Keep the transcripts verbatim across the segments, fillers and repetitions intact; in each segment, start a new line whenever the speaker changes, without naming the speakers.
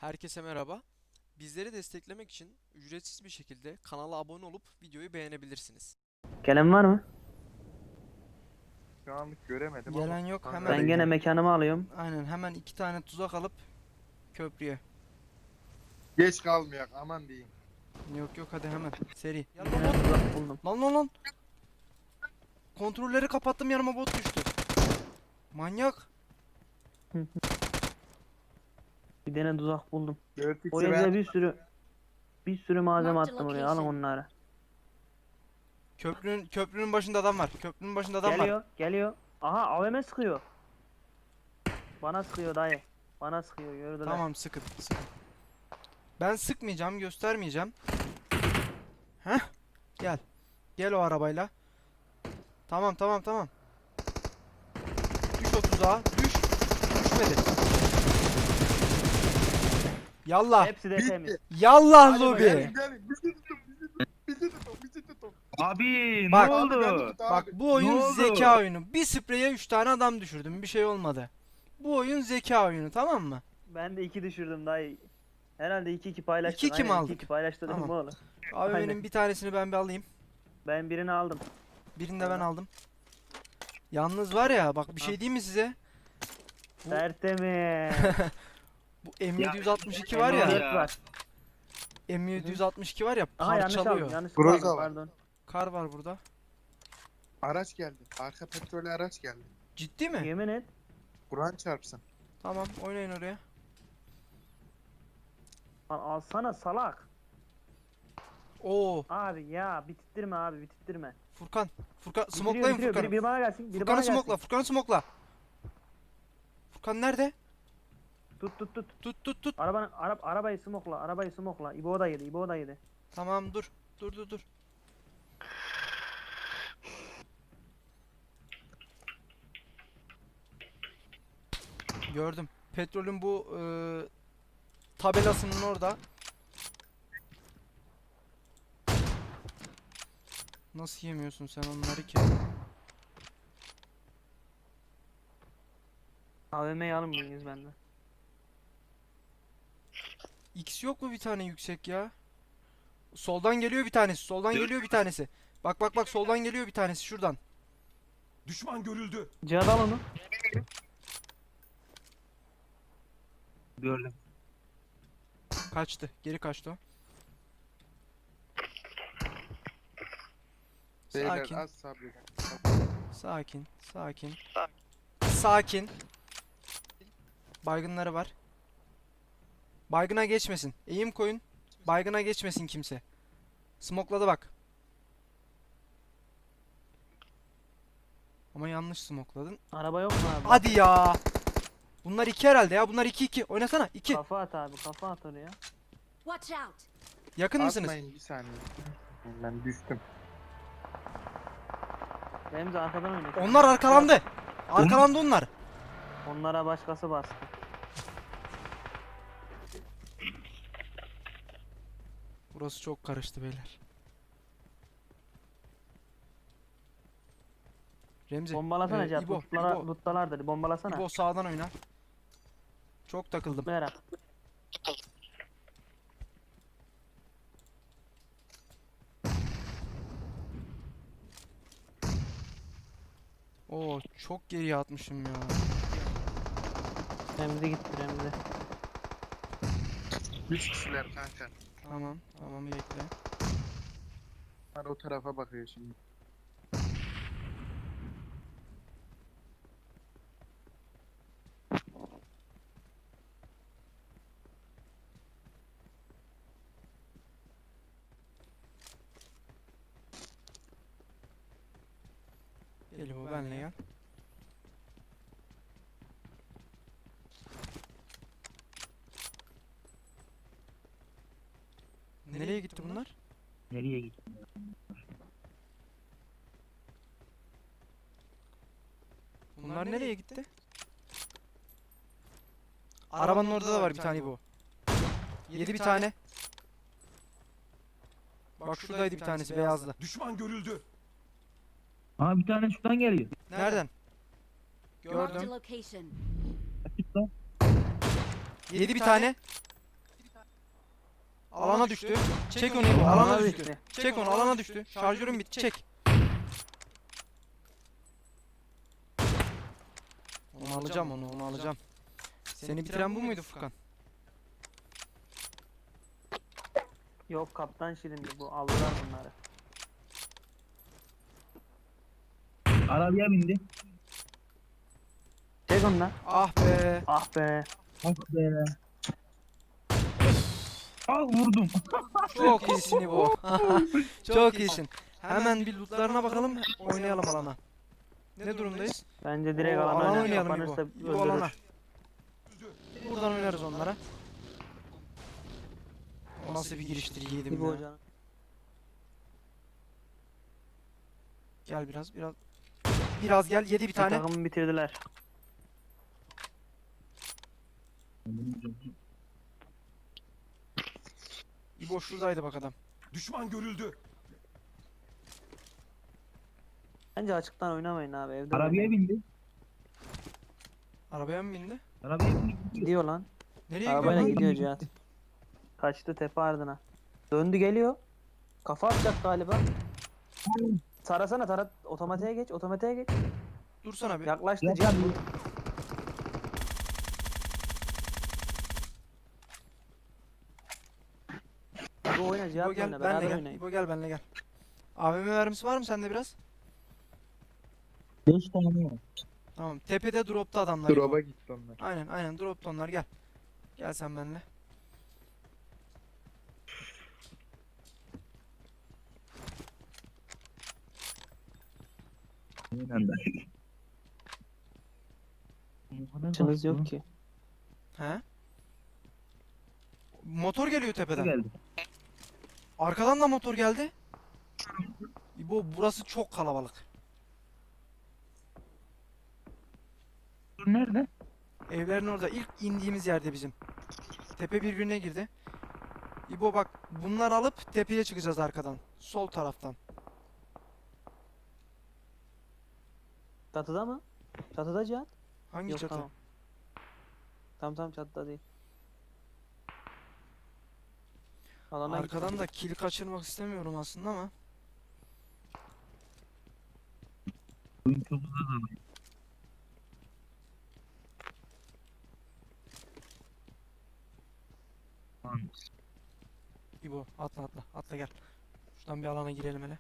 Herkese merhaba. Bizleri desteklemek için ücretsiz bir şekilde kanala abone olup videoyu beğenebilirsiniz.
Gelen var mı?
Şu anlık göremedim
Gelen
ama
yok, hemen-
hangara
Ben gene
gidelim.
mekanımı alıyorum.
Aynen, hemen iki tane tuzak alıp köprüye.
Geç kalmayak aman diyeyim.
Yok yok, hadi hemen seri.
Gene
Yanıma bot.
tuzak buldum.
Lan lan lan. Kontrolleri kapattım, yanıma bot düştü. Manyak.
Bir tane tuzak buldum.
dört
O
x'i
evde
ben
bir sürü bir sürü malzeme
Marked
attım oraya. Alın
location.
onları.
Köprünün köprünün başında adam var. Köprünün başında adam var.
Geliyor, geliyor. Aha A V M sıkıyor. Bana sıkıyor dayı. Bana sıkıyor, gördüler.
Tamam, sıkın sıkın. Ben sıkmayacağım, göstermeyeceğim. Heh. Gel. Gel o arabayla. Tamam tamam tamam. Düş o tuzağa. Düş. Düşmedi. Yallah.
Hepsi de
Bitti.
temiz.
Yallah
Hadi
lobi.
bakalım.
Gelin bizi tutun bizi tutun bizi tutun bizi tutun.
Abi
Bak.
ne
Abi beni
oldu?
tut abi.
Bak, bu oyun
Ne oldu?
zeka oyunu. Bir spreye üç tane adam düşürdüm. Bir şey olmadı. Bu oyun zeka oyunu, tamam mı?
Ben de iki düşürdüm dayı. Herhalde iki iki paylaştık.
İki iki mi
Aynen,
aldık?
iki iki paylaştırdım
Tamam.
oğlum.
Abi
Aynen.
benim bir tanesini ben bir alayım.
Ben birini aldım.
Birini de ben aldım. Yalnız var ya, bak bir şey diyeyim mi size? Bu-
Tertemiz.
Bu M yedi altmış iki var ya.
M dört var.
M yedi altmış iki var ya,
Aha yanlış aldım.
parçalıyor.
Yanlış
Groza
aldım,
var.
pardon.
Kar var burada.
Araç geldi. Arka petrolü araç geldi.
Ciddi mi?
Yemin et.
Kur'an çarpsın.
Tamam, oynayın oraya.
Al, alsana salak.
Oo,
Abi ya bitirttirme abi bitirttirme.
Furkan. Furkan
Bitiriyor,
smoklayın
bitiriyor.
Furkan'ı.
Biri, biri bana gelsin. Biri
Furkan'ı
bana gelsin.
smokla, Furkan'ı smokla. Furkan nerede?
Tut tut tut.
Tut tut tut.
Arabanın ara, arabayı smokla. Arabayı smokla. İbo da yedi. İbo da yedi.
Tamam, dur. Dur dur dur. Gördüm. Petrolün bu e, tabelasının orada. Nasıl yemiyorsun sen onları ki?
A V M'yi alın mıyız bende?
X yok mu bir tane yüksek ya? Soldan geliyor bir tanesi. Soldan geliyor bir tanesi. Bak bak bak, soldan geliyor bir tanesi şuradan.
Düşman görüldü.
Cihat al onu.
Gördüm.
Kaçtı. Geri kaçtı o.
Beyler
Sakin.
az sabredin.
Sakin. Sakin. Sakin. Baygınları var. Baygına geçmesin. Eğim koyun. Baygına geçmesin kimse. Smokladı bak. Ama yanlış smokladın.
Araba yok mu abi?
Hadi ya. Bunlar iki herhalde ya. Bunlar iki iki. Oynasana. iki.
Kafa at abi. Kafa at oraya.
Watch out!
Yakın mısınız?
Atmayın bir saniye. Ben düştüm.
Benim de arkadan oynayacak.
Onlar arkalandı. Arkalandı onlar.
Onlara başkası bastı.
Burası çok karıştı beyler. Remzi.
Bombalasana
e,
Cihat.
İbo,
Lootlara,
İbo,
lootlalar dedi. Bombalasana.
İbo sağdan oyna. Çok takıldım.
Merak.
Oo, çok geriye atmışım ya.
Remzi gitti Remzi.
Üç kişiler kanka.
Tamam, tamam, bekle.
Onlar o tarafa bakıyor şimdi.
Gel İbo, benle gel. Nereye gitti bunlar?
Nereye gitti?
Bunlar nereye gitti? Arabanın orada da var bir tane bu. Yedi bir tane. Bak şuradaydı bir tanesi beyazlı.
Düşman görüldü. Aa bir tane şuradan geliyor.
Nereden?
Marked a
Gördüm.
location.
Açık lan.
Yedi bir tane. Alana düştü. Çek onu İbo. Alana düştü.
düştü.
Çek onu, alana düştü. Şarjörüm bitti. Çek. Onu alacağım, onu onu alacağım. Seni bitiren bu muydu Furkan?
Yok kaptan şirindi bu. Aldılar bunları.
Arabaya bindi.
Çek onu lan.
Ah be.
Ah be.
Ah be. Ah vurdum.
Çok iyisin İbo. Çok iyisin. Hemen bir lootlarına bakalım. Oynayalım alana. Ne durumdayız?
Bence direkt
Oo,
alana
alan
oynar.
oynayalım
Kapanırsa
İbo. İbo alana.
öldürür.
Buradan oynarız onlara. O nasıl bir giriştir yedim
İbo
ya.
hocam.
Gel biraz biraz. Biraz gel, yedi bir
Bir
tane.
takımı bitirdiler.
İbo şuradaydı bak adam.
Düşman görüldü.
Bence açıktan oynamayın abi. Evde
Arabaya
oynayın.
bindi.
Arabaya mı bindi?
Arabaya bindi.
Gidiyor lan.
Nereye
Arabayla
gidiyor?
gidiyor Cihat. Kaçtı tepe ardına. Döndü geliyor. Kafa atacak galiba. Sarasana tarat. Otomatiğe geç. Otomatiğe geç.
Dursana bir.
Yaklaştı
Ya,
Cihat.
ya.
Bu oyna
İbo
Cihat
gel,
oyna.
benle
Beraber
gel.
oynayın.
İbo gel, benle gel. A V M mermisi var mı sende biraz?
Beş tane var.
Tamam. Tepede dropta adamlar. İbo.
Drop'a gitti onlar.
Aynen aynen dropta onlar, gel. Gel sen benle.
Aynen de. O kadar
Açınız
bastı.
yok ki.
He? Motor geliyor tepeden.
Geldi.
Arkadan da motor geldi. İbo burası çok kalabalık.
Dur nerede?
Evlerin orada ilk indiğimiz yerde bizim. Tepe birbirine girdi. İbo bak, bunlar alıp tepeye çıkacağız arkadan. Sol taraftan.
Çatıda mı? Çatıda Cihat.
Hangi
Yok
çatı?
tamam. Tamam tamam çatıda değil. Alana git.
Arkadan da kill kaçırmak istemiyorum aslında ama.
Oyun çok uzun. Lan,
İbo atla atla atla gel. Şuradan bir alana girelim hele.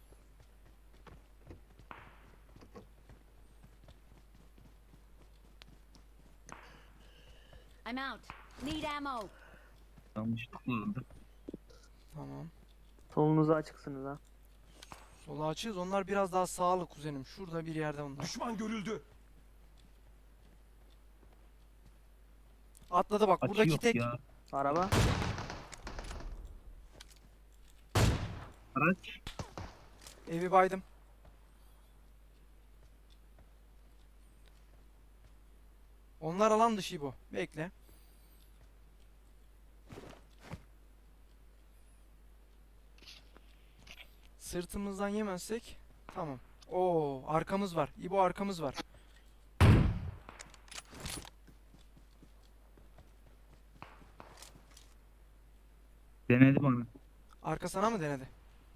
I'm out. Need ammo.
yanlışlıkla oldu.
Tamam.
Solunuza açıksınız ha.
Sola açığız. Onlar biraz daha sağlı kuzenim. Şurada bir yerde onlar.
Düşman görüldü.
Atladı bak.
Açı
Buradaki
yok
tek.
ya.
Araba.
Araç.
Evi baydım. Onlar alan dışı bu. Bekle. Sırtımızdan yemezsek tamam. Oo, arkamız var. İbo arkamız var.
Denedi bana.
Arka sana mı denedi?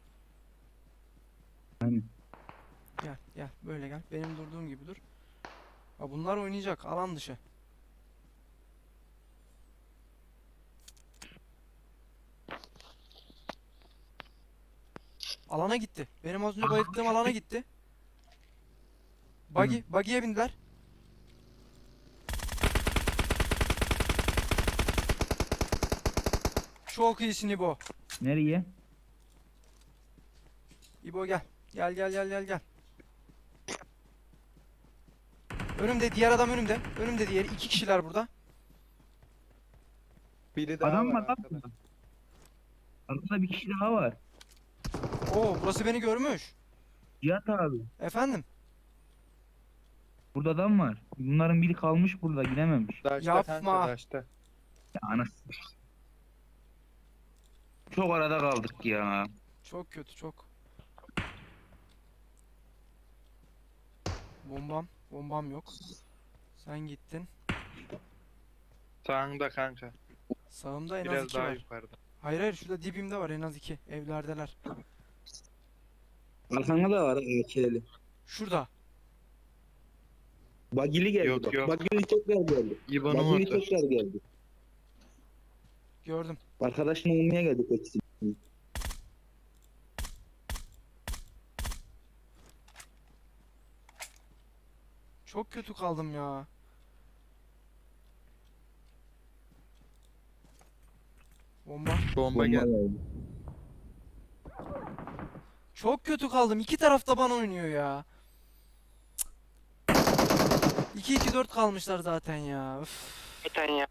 Aynen.
Gel gel böyle gel. Benim durduğum gibi dur. Ha, bunlar oynayacak alan dışı. Alana gitti. Benim az önce bayılttığım alana gitti. Buggy, buggy'ye bindiler. Çok iyisin İbo.
Nereye?
İbo gel. Gel gel gel gel gel. Önümde diğer adam önümde. Önümde diğeri. İki kişiler burada.
Biri daha
Adam
var
var lan
arkada.
burada. Arkada bir kişi daha var.
Oo, burası beni görmüş.
Cihat abi.
Efendim?
Burada adam var. Bunların biri kalmış burada gidememiş.
Daşta
Yapma.
kanka daşta.
Ya anasını. Çok arada kaldık ya.
Çok kötü çok. Bombam. Bombam yok. Sen gittin.
Sağında kanka.
Sağımda en az
Biraz
iki
daha
var.
yukarıda.
Hayır hayır, şurada dibimde var en az iki. Evlerdeler.
Arkanda da var A K'li.
Şurada.
Bagili geldi
Yok,
bak.
yok.
Bagili tekrar geldi.
İbo'nun
Bagili
orada.
tekrar geldi.
Gördüm.
Arkadaşını almaya geldi peki.
Çok kötü kaldım ya. Bomba.
Bomba geldi.
geldi.
Çok kötü kaldım. İki tarafta bana oynuyor ya. iki iki dört kalmışlar zaten ya. Üf.
Zaten ya.